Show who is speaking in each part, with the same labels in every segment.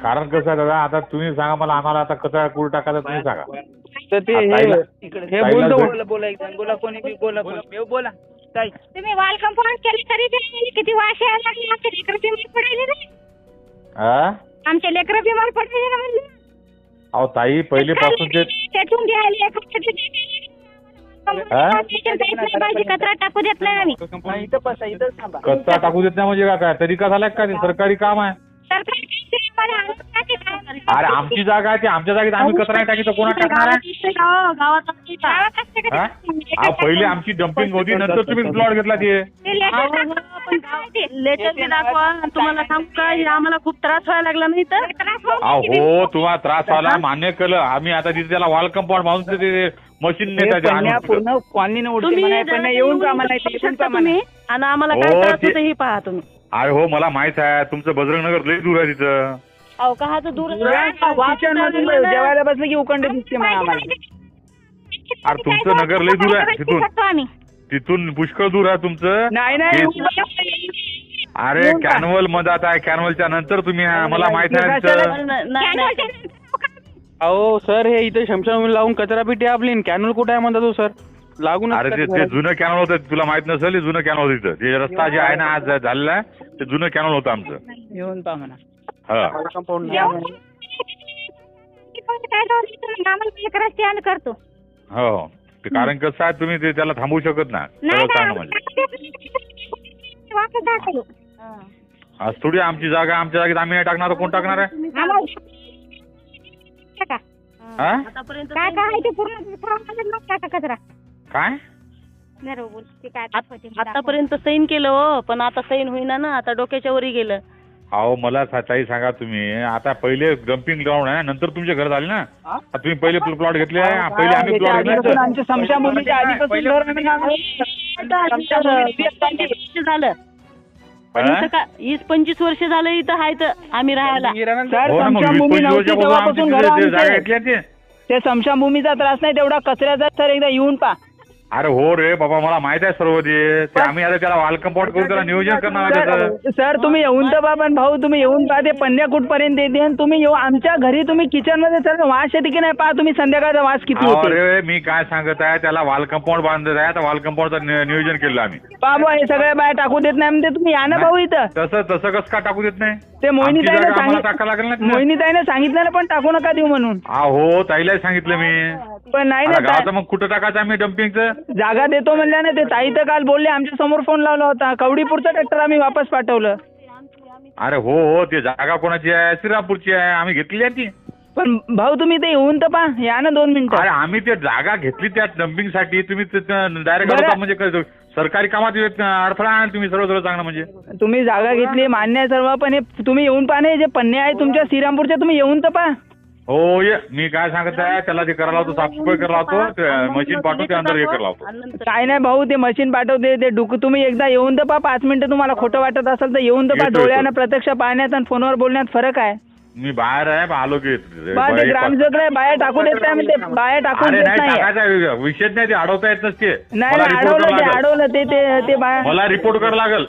Speaker 1: कारण कसं आहे दादा, आता तुम्ही सांगा मला, आम्हाला आता कचरा कुठे टाकायचा तुम्ही सांगा.
Speaker 2: तर ते हे बोला कोणी बी बोला बोला ताई.
Speaker 3: तुम्ही वाल कंपाऊंड केले तरी ते किती वाश यायला लागले. आमचे लेकरं बिमार पडायले ना. आमचे लेकरं बिमार पडायले ना म्हणलं.
Speaker 1: अहो ताई, पहिलेपासून ते
Speaker 3: तेथून घ्यायला कचरा टाकू देत नाही आम्ही.
Speaker 1: कचरा टाकू देत नाही म्हणजे काय तरीका झाला का? ते सरकारी काम आहे. अरे आमची जागा आहे, ती आमच्या जागेत आम्ही कचरा नाही टाकी तर कोणा टाकणार आहे? पहिले आमची डम्पिंग होती, नंतर तुम्ही प्लॉट घेतला ते.
Speaker 4: लेटर दाखवा. तुम्हाला सांगू का, आम्हाला खूप त्रास व्हायला लागला नाही तर.
Speaker 1: हो, तुम्हाला त्रास व्हायला मान्य केलं आम्ही. आता तिथे त्याला वॉल कंपाऊंड बांधून ते मशीन नेतात
Speaker 2: पूर्ण कॉलनी येऊन का
Speaker 4: तुम्ही आणि आम्हाला काय त्रास होतं हे पहा तुम्ही.
Speaker 1: अरे हो, मला माहित आहे तुमचं बजरंगनगर लई दूर आहे तिथं.
Speaker 4: अहो का दूर
Speaker 2: जेवायला बसलं की उकंड दिसते मला आम्हाला.
Speaker 1: अरे तुमचं नगर लई दूर आहे तिथून. तिथून पुष्कळ दूर आहे तुमचं.
Speaker 2: नाही
Speaker 1: अरे कॅनवल मधात आहे, कॅनवलच्या नंतर तुम्ही मला माहित आहे.
Speaker 2: अहो सर, हे इथे शमशान लावून कचरा पेटी आपली कॅनल कुठे आहे म्हणता तो सर लागून.
Speaker 1: अरे ते जुनं कॅनल होतं, तुला माहित नसेल. जुनं कॅनल होतं तिथं. ते रस्ता जे आहे ना आज झालेला आहे, ते जुनं कॅनल होतं आमचं.
Speaker 2: येऊन पहा म्हणा.
Speaker 3: कंपाऊंड करतो.
Speaker 1: हो, कारण कसं आहे, तुम्ही ते त्याला थांबवू शकत नाही. आज थोडी आमची जागा, आमच्या जागेत आम्ही नाही टाकणार, कोण टाकणार आहे?
Speaker 3: काय काय ते पूर्ण कचरा
Speaker 1: काय
Speaker 4: आतापर्यंत सैन केलं हो, पण आता सैन होईना ना. आता डोक्याच्या वरी गेलं.
Speaker 1: अहो मला ताई सांगा तुम्ही, आता पहिले डम्पिंग ग्राउंड आहे, नंतर तुमचे घर झाले ना. तुम्ही पहिले प्लॉट घेतले, पहिले आम्ही प्लॉट घेतले.
Speaker 4: झालं 20-25 वर्ष झालं इथं आहे तर आम्ही राहायला.
Speaker 2: ते स्मशानभूमीचा त्रास नाही तेवढा कचऱ्याचा. सर एकदा येऊन पहा.
Speaker 1: अरे हो रे बाबा, मला माहित आहे सर्व ते. आम्ही आता त्याला वाल कंपाऊंड करून त्याला नियोजन करणार आहे.
Speaker 2: सर तुम्ही येऊन तर पहा. पण भाऊ तुम्ही येऊन पहा, ते पन्न्या कुठपर्यंत येते. आणि तुम्ही येऊ आमच्या घरी, तुम्ही किचन मध्ये सर वास येते की नाही पहा तुम्ही. संध्याकाळचा वास किती होते.
Speaker 1: अरे मी काय सांगत आहे, त्याला वाल कंपाऊंड बांधत आहे. आता वाल कंपाऊंडचं नियोजन केलं आम्ही.
Speaker 2: बाबा हे सगळ्या बाहेर टाकू देत नाही म्हणते. तुम्ही या ना भाऊ इथं.
Speaker 1: तसं कसं का टाकू देत नाही?
Speaker 2: ते मोहिनीताईने सांगितलं ना, पण टाकू नका देऊ म्हणून.
Speaker 1: हो, ताईला सांगितलं मी.
Speaker 2: पण नाही
Speaker 1: ना, मग कुठं टाकायचं आम्ही डम्पिंगचं?
Speaker 2: जागा देतो म्हणल्या ना. ते ताई तर काल बोलले, आमच्या समोर फोन लावला होता. कवडीपूरचं ट्रॅक्टर आम्ही वापस पाठवलं.
Speaker 1: अरे हो, ते जागा कोणाची आहे? श्रीरामपूरची आहे, आम्ही घेतली आहे ती.
Speaker 2: पण भाऊ तुम्ही ते येऊन तर पहा, या ना 2 मिनिटं.
Speaker 1: अरे आम्ही ते जागा घेतली त्या डम्पिंग साठी. तुम्ही डायरेक्ट म्हणजे सरकारी कामात अडथळा आहे तुम्ही. सर्व चांगलं म्हणजे
Speaker 2: तुम्ही जागा घेतली मान्य आहे सर्व, पण हे तुम्ही येऊन पहा ना. जे पन्ने आहे तुमच्या श्रीरामपूरच्या, तुम्ही येऊन तर पहा.
Speaker 1: हो ये, मी काय सांगत आहे, त्याला ते करायला लावतो, साफसफाई करायला लावतो, मशीन पाठवते, अंदर हे करायला लावतो.
Speaker 2: काय नाही भाऊ, ते मशीन पाठवते ते तुम्ही एकदा येऊन तर पहा. 5 मिनिटं तुम्हाला खोटं वाटत असेल तर येऊन तर पहा. डोळ्यानं प्रत्यक्ष पाहण्यात आणि फोनवर बोलण्यात फरक आहे.
Speaker 1: मी बाहेर आहे, आलो की
Speaker 2: ग्रामसेवक बाहेर टाकू देत नाही. ते बाहेर टाकून देत नाही.
Speaker 1: विषय नाही, ते अडवता येत नसते.
Speaker 2: नाही अडवलं ते
Speaker 1: मला रिपोर्ट करावं लागेल.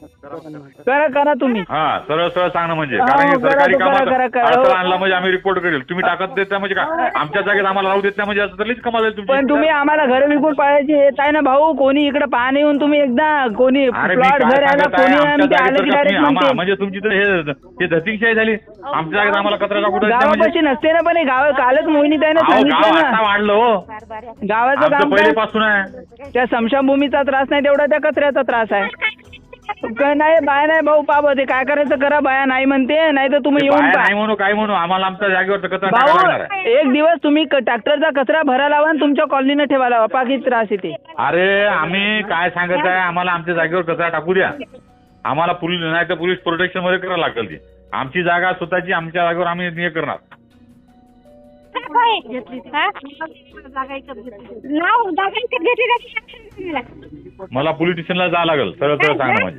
Speaker 2: करा तुम्ही.
Speaker 1: हा, सरळ सांगणं म्हणजे, कारण सरकारी कामात अडथळा आणला म्हणजे आम्ही रिपोर्ट करेल. तुम्ही टाकत देत नाही म्हणजे काय? आमच्या जागेत आम्हाला राहू देत नाही म्हणजे असं तरीच कमाल आहे तुमची.
Speaker 2: पण तुम्ही आम्हाला घर विकून पाहायचे हेच आहे ना भाऊ. कोणी इकडे पाहणे येऊन तुम्ही एकदा कोणी प्लॉट घर आला, कोणी
Speaker 1: म्हणजे तुमची तर हे धतिंगशाही झाली. आमच्या जागेत आम्हाला कचरा टाकू देत नाही
Speaker 2: गावापाशी नसते ना. पण गाव कालच मोहिनीताईने सांगितलं ना,
Speaker 1: वाढलं हो.
Speaker 2: गावाचं काम
Speaker 1: पहिलेपासून आहे.
Speaker 2: त्या स्मशानभूमीचा त्रास नाही तेवढा त्या कचऱ्याचा त्रास आहे. नाही बाया नाही भाऊ, पाप ते काय करायचं करा. बाया नाही म्हणते, नाही तर तुम्ही येऊन
Speaker 1: नाही म्हणू, काय म्हणू, आम्हाला आमच्या जागेवर कचरा
Speaker 2: भाऊ. एक दिवस तुम्ही ट्रॅक्टरचा कचरा भरा लावा आणि तुमच्या कॉलनीने ठेवा लावा. पाकी त्रास येते.
Speaker 1: अरे आम्ही काय सांगत आहे, आम्हाला आमच्या जागेवर कचरा टाकू द्या. आम्हाला पोलीस नाही तर पोलीस प्रोटेक्शन मध्ये करावं लागेल. ती आमची जागा स्वतःची, आमच्या जागेवर आम्ही हे करणार. मला पोलीस स्टेशनला जावं लागेल. सरळ सांगणं म्हणजे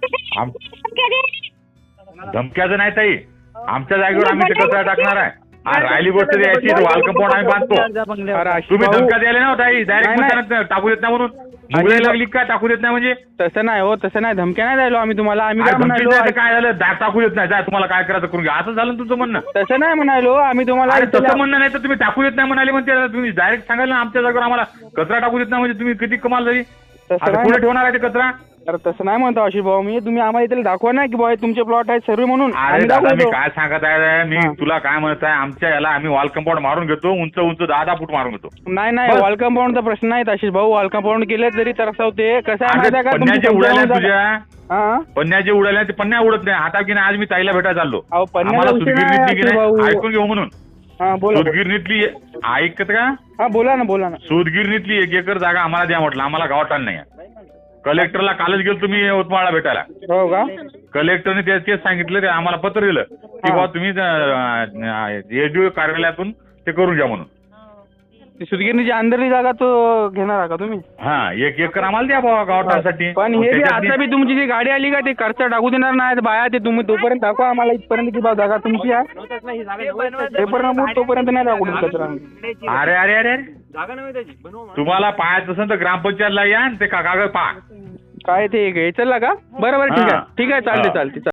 Speaker 1: धमक्याचं नाही ताई. आमच्या जागेवर आम्ही कचरा टाकणार आहे. राहिली गोष्ट यायची, वाल कंपाऊंड आम्ही बांधतो. तुम्ही धमक्या द्यायला ना ताई, डायरेक्ट टाकू देत नाही म्हणून. मुगळी लागली का टाकू देत नाही म्हणजे
Speaker 2: तसं नाही हो, तसं नाही, धमक्या नाही द्यायलो आम्ही तुम्हाला. आम्ही
Speaker 1: अरे
Speaker 2: काय
Speaker 1: धमकी
Speaker 2: म्हणालो,
Speaker 1: द्यायचं काय झालं टाकू देत नाही जा तुम्हाला काय करायचं करून घ्या असं झालं ना तुमचं म्हणणं.
Speaker 2: तसं नाही म्हणालो आम्ही तुम्हाला.
Speaker 1: अरे तसं म्हणणं नाही तर तुम्ही टाकू देत नाही म्हणाले म्हणते तुम्ही डायरेक्ट सांगाल ना आमच्या जागेवर आम्हाला कचरा टाकू देत नाही म्हणजे तुम्ही किती कमाल झाली.
Speaker 2: तसं
Speaker 1: आता
Speaker 2: नाही.
Speaker 1: पुढे ठेवणार आहे ते कचरा.
Speaker 2: अरे तसं नाही म्हणतो आशिष भाऊ मी. तुम्ही आम्हाला इथे दाखवा ना की बाबा तुमचे प्लॉट आहेत सर्व म्हणून.
Speaker 1: अरे
Speaker 2: आम्ही
Speaker 1: दादा मी
Speaker 2: दाखवतो.
Speaker 1: काय सांगत आहे मी
Speaker 2: हा.
Speaker 1: तुला काय म्हणत आहे आमच्या याला आम्ही वॉल कंपाऊंड मारून घेतो उंच उंच 10 फूट मारून घेतो.
Speaker 2: नाही नाही,
Speaker 1: बस.
Speaker 2: वॉल कंपाऊंडचा प्रश्न नाही आशिष भाऊ. वॉल कंपाऊंड केले तरी तरस होते. कसं आहे माहिती आहे का,
Speaker 1: पन्न्याच्या उडाल्या तुझ्या
Speaker 2: हा
Speaker 1: पन्न्याच्या उडाल्या ते पन्न्या उडत नाही आता की नाही आज मी ताईला भेटायला चाललो
Speaker 2: अहो, पन्न्याचा
Speaker 1: आम्हाला
Speaker 2: विषय नाही,
Speaker 1: सुदगिरणीतली की
Speaker 2: भाऊ.
Speaker 1: नाही ऐकून घेऊ म्हणून
Speaker 2: हा बोला.
Speaker 1: सुदगिरणीतली ऐकत का
Speaker 2: हा बोला ना, बोला ना.
Speaker 1: सुदगिरणीतली 1 एकर जागा आम्हाला द्या म्हटलं आम्हाला गावात नाही कलेक्टरला कालच गेलो तुम्ही यवतमाळला भेटायला.
Speaker 2: हो का?
Speaker 1: कलेक्टरने तेच सांगितलं ते आम्हाला पत्र दिलं की
Speaker 2: हा.
Speaker 1: बाबा तुम्ही एसडीओ कार्यालयातून ते करून घ्या म्हणून.
Speaker 2: ती सुदगिरणीची अंदरली जागा तो घेणार आहे का तुम्ही?
Speaker 1: हा 1 एकर आम्हाला द्या बाबा गावठासाठी.
Speaker 2: पण हे बी आता बी तुमची जी गाडी आली का ते खर्च टाकू देणार नाही बाया. ते तुम्ही तोपर्यंत दाखवा आम्हाला इथपर्यंत की बा जागा तुमची आहे. तोपर्यंत नाही दाखवू कचरा.
Speaker 1: अरे अरे अरे अरे तुम्हाला पाहायचं असेल तर ग्रामपंचायतला या आणि ते कागद पहा.
Speaker 2: काय ते घ्यायचं का? बरं बरं, ठीक आहे, ठीक आहे, चालते
Speaker 1: हा.
Speaker 2: चालते.